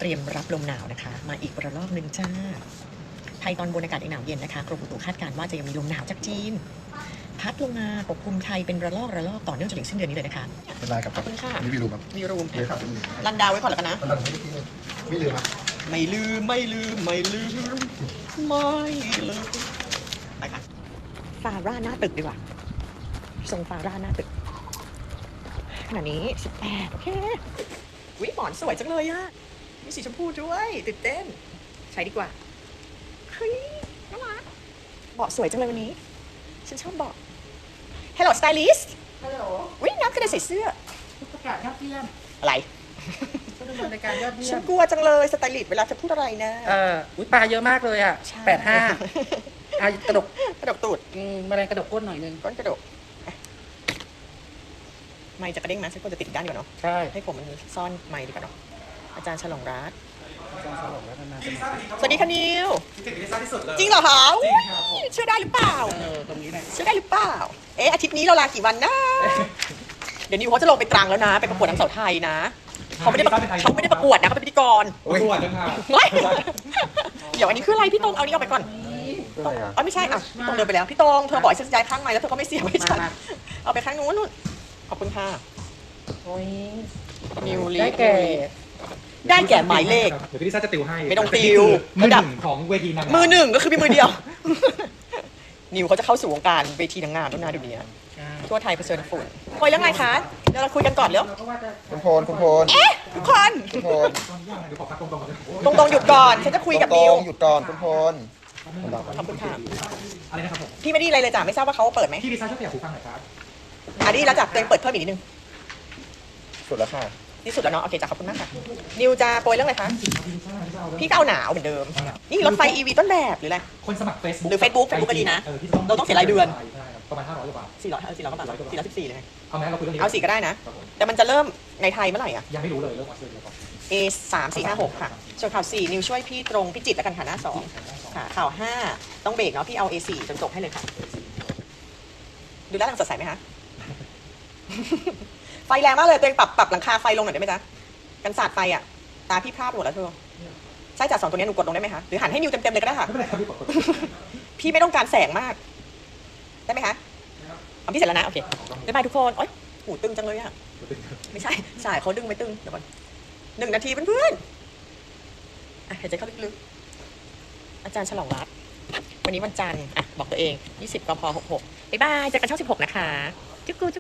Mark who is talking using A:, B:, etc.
A: เตรียมรับลมหนาวนะคะมาอีกระลอกหนึ่งจ้าไทยตอนบนอากาศยังหนาวเย็นนะคะกรมอุตุคาดการณ์ว่าจะยังมีลมหนาวจากจีนพัดลงมาปกคลุมไทยเป็นระลอกต่อเนื่องจนถึงสิ้นเดือนนี้เลยนะคะ
B: เป็นไรครับ
A: ขอบคุณค่ะ
B: นี่มีรูมครับ
A: มีรูม
B: เลยครับ
A: รันดาวไว้ก่อนแล้วกันนะ
B: ไม่ลืมครับ
A: ไม่ลืมไม่ลืมไม่ลืมไม่ลืมไปค่ะฟาร่าหน้าตึกดีกว่าทรงฟาร่าหน้าตึกขณะนี้18โอเควิหมอนสวยจังเลยอะมีสีชมพูด้วยตื่นเต้นใช้ดีกว่าเฮ้ยน่ารักเบาะสวยจังเลยวันนี้ฉันชอบเบาะ Hello stylist
C: ฮัลโหล
A: วิน้ำกระเด็นใส่เสื้อ
C: ประกาศยอดเยี่ยม
A: อะไร
C: ผู้ดำเนินรายการยอดเยี่ย
A: ฉัน
C: ม
A: กลัวจังเลยสไตลิสต์เวลาจะพูดอะไรนะ
C: อุ้ยปลาเยอะมากเลยอ่ะ
A: ใช่
C: กระดก
A: กระดกตูด
C: แมลงกระดกก้นหน่อยนึง
A: ก้นกระดกอ่ะไมค์จะกระเด้งไหมฉันควรจะติดอีกด้านดีกว่าเนาะ
C: ใช่
A: ให้ผมมันซ่อนไมค์ดีกว่าเนาะอาจารย์ฉลองรัตน์
C: อาจารย์สลบแล้วนาน
A: สวัสดีค่ะนิว
D: ถึงลิซ่าที่สุดเลย
A: จริงเหรอคะอุ๊ยเชื่อได้หรือเปล่า
C: ตรงนี้แหละ
A: เชื่อได้หรือเปล่า เอ๊ะอาทิตย์นี้เราลากี่วันนะ เดี๋ยวนิวเขาจะลงไปตรังแล้วนะ ไปประกวดนางสาวไทยนะ เขาไม่ได้ประกวดนะเขาเป็นพิธีกร
D: ตรวจด้วยค่ะ
A: เฮ้ยเดี๋ยวอันนี้คืออะไรพี่ตรงเอานี้ออกไปก่อน
B: ก็อะไรอ่ะ
A: อ๋อไม่ใช่อ่ะพี่ตรงเดินไปแล้วพี่ตรงเธอบอกให้ฉันย้ายข้างไม้แล้วเธอก็ไม่เสียบให้ฉันเอาไปข้างนู้นนู่นขอบคุณค่ะ
C: โอ้ย
A: นิวลี
C: ได้แก่
A: ได้แก่หมายเลข
D: เดี๋ยวพี่ลิซ่าจะติวให้
A: ไม่ต้องติว
D: มือหนึ่งของเวทีนางงาม
A: มือหนึ่งก็คือมีมือเดียว นิวเขาจะเข้าสู่วงการเวทีนางงามแล้วนะเดี๋ยวนี้ทั่วไทยเผชิญฝุ่นคุยเรื่องอะไรคะเดี๋ยวเราคุยกันก่อนเร็ว
C: เราก็ว่าจะ
B: คุณพลคุณพล
A: เอ๊ะทุกคน
B: คุณพล
D: เดี๋ยวขอพักตรงๆก่อนเลย
A: ตรงๆหยุดก่อนฉันจะคุยกับ
B: ตร
A: นิว
B: งๆหยุดก่อนคุณพล
A: ขอบคุณค่ะ
D: อะไรนะครับผม
A: พี่ไม่ได้อะไรเลยจ้ะไม่ทราบว่าเขาเปิดไหม
D: พี่ลิซ่าช่วยขยับหูฟังหน่อยครับ
A: อ่ะดีแล้วจ้ะตัวเองเปิดเพิ่มอีกนิดนึง
B: สุดแล้วค่ะ
A: นี่สุดแล้วเนาะโอเคจ้ะขอบคุณมากค่ะนิวจะโปรยเรื่องอะไรคะ
D: พี่ลิซ่าเอาเรื่อง
A: พี่ก็เอาหนาวเหมือนเดิมนี่รถไฟ EV ต้นแบบหรืออะไร
D: คนสมัคร Facebook
A: หรือ Facebook ก็ดีนะเราต้องเสียรายเดือน
D: ประมาณ500กว่าบาท
A: 400กว่าบาท414เลยไง
D: เอาไหมเราคุยเรื่องนี้
A: เอา4ก็ได้นะ แต่มันจะเริ่มในไทยเมื่อไหร่อ่ะ
D: ยังไม่รู้เลยเรื่องวัดเสื้อก่อน
A: A 3 4 5 6ค่ะส่วนข่าว4นิวช่วยพี่ตรงพี่จิตรแล้วกันค่ะหน้า2ค่ะข่าว5ต้องเบรกเนาะพี่เอา A 4จนจบให้เลยค่ะ ดูด้านหลังสดใสไหมคะ ไฟแรงมากเลยตัวเองปรับหลังคาไฟลงหน่อยได้ไหมจ๊ะกันสาดไฟอ่ะตาพี่พร่าไปหมดแล้วเธอใช่จ้ะ2ตัวนี้หนูกดลงได้ไหมคะหรือหันให้นิวเต็มๆเลยก็ได้ค่ะ
D: ไม่เป็นไรครับพี่กด
A: พี่ไม่ต้องการแสงมากได้ไหมคะเอาพี่เสร็จแล้วนะโอเคบ๊ายบายทุกคนโอ๊ยหูตึงจังเลยอ่ะไม่ใช่สายเขาดึงไม่ตึงเดี๋ยวก่อน1 นาทีเพื่อนๆอ่ะหายใจเข้าลึกๆอาจารย์ฉลองรัตน์วันนี้วันจันทร์อ่ะบอกตัวเอง20 กพ 66บ๊ายบายเจอกันช่อง16นะคะจุ๊กกู